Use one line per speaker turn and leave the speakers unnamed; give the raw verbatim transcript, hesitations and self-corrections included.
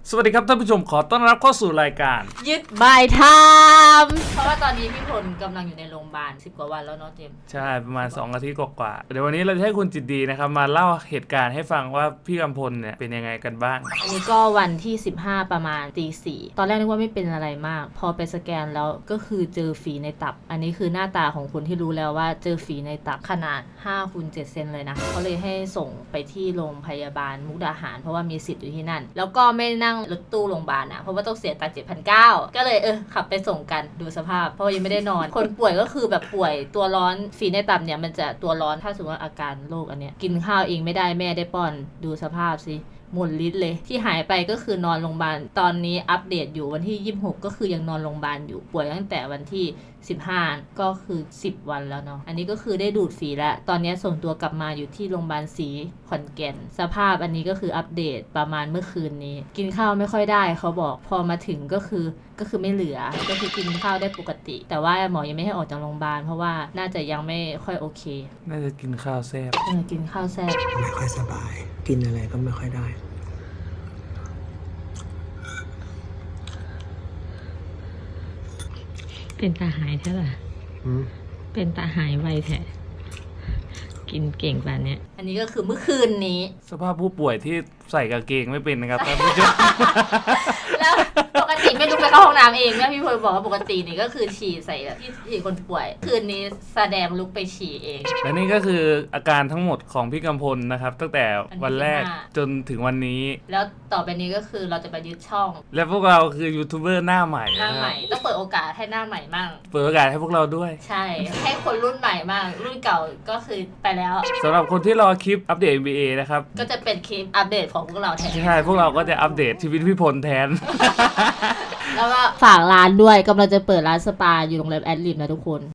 สวัสดีครับท่านผู้ชมขอต้อนรับเข้าสู่รายการ
ยึดบายไทม์เพราะว่าตอนนี้พี่พลกำลังอยู่ในโรงพยาบาลสิบกว่าวันแล้วเนาะเจมส์
ใช่ประมาณสองอาทิตย์กว่าๆเดี๋ยววันนี้เราจะให้คุณจิตดีนะครับมาเล่าเหตุการณ์ให้ฟังว่าพี่กำพลเนี่ยเป็นยังไงกันบ้าง
อันนี้ก็วันที่สิบห้าประมาณตีสี่ตอนแรกนึกว่าไม่เป็นอะไรมากพอไปสแกนแล้วก็คือเจอฝีในตับอันนี้คือหน้าตาของคนที่รู้แล้วว่าเจอฝีในตับขนาดห้าคูณเจ็ดเซนเลยนะเขาเลยให้ส่งไปที่โรงพยาบาลมุกดาหารเพราะว่ามีสิทธิ์อยู่ที่นั่นแล้วก็ไม่นั่งรถตู้โรงพยาบาลนะเพราะว่าต้องเสียตังค์เจ็ดพันเก้าก็เลยเออขับไปส่งกันดูสภาพเพราะยังไม่ได้นอน คนป่วยก็คือแบบป่วยตัวร้อนฝีในตับเนี่ยมันจะตัวร้อนถ้าสมมติว่าอาการโรคอันเนี้ยกินข้าวเองไม่ได้แม่ได้ป้อนดูสภาพสิหมดฤทธิ์เลยที่หายไปก็คือนอนโรงพยาบาลตอนนี้อัปเดตอยู่วันที่ยี่สิบหกก็คือยังนอนโรงพยาบาลอยู่ป่วยตั้งแต่วันที่สิบห้าก็คือสิบวันแล้วเนาะอันนี้ก็คือได้ดูดฝีแล้วตอนนี้ส่งตัวกลับมาอยู่ที่โรงพยาบาลศรีขอนแก่นสภาพอันนี้ก็คืออัปเดตประมาณเมื่อคืนนี้กินข้าวไม่ค่อยได้เขาบอกพอมาถึงก็คือก็คือไม่เหลือก็คือกินข้าวได้ปกติแต่ว่าหมอยังไม่ให้ออกจากโรงพยาบาลเพราะว่าน่าจะยังไม่ค่อยโอเค
น่าจะกินข้าวแซ่บ
เออกินข้าวแซ่บ
ไม่ค่อยสบายกินอะไรก็ไม่ค่อยได้
เป็นตาหายใช่ไหมเป็นตาหายไวแท้กินเก่งแบบนี้อันนี้ก็คือเมื่อคืนนี้
สภาพผู้ป่วยที่ใส่กางเกงไม่เป็นนะครับท่านผู้ชม
แล้วปกติไม่ลุกไปเข้าห้องน้ำเองแม่พี่พลบอกว่าปกตินี่ก็คือฉี่ใส่ที่ที่คนป่วยคืนนี้แสดงลุกไปฉี่เอง
และนี่ก็คืออาการทั้งหมดของพี่กำพลนะครับตั้งแต่วันแรกจนถึงวันนี้
แล้วต่อไปนี้ก็คือเราจะไปยึดช่อง
และพวกเราคือยูทูบเบอร์หน้าใหม่
หน้าใหม่ต้องเปิดโอกาสให้หน้าใหม่มั่ง
เปิดโอกาสให้พวกเราด้วย
ใช่ให้คนรุ่นใหม่มั่งรุ่นเก่าก็คือไปแล้ว
สำหรับคนที่รอคลิปอัปเดต เอ็น บี เอ นะครับ
ก็จะเป็นคลิปอัปเดตของพวกเราแทน
ใช่พวกเราก็จะอัปเดตชีวิตพี่พลแทน
แล้วก็ฝากร้านด้วยกำลังจะเปิดร้านสปาอยู่โรงแรมแอดลิมนะทุกคน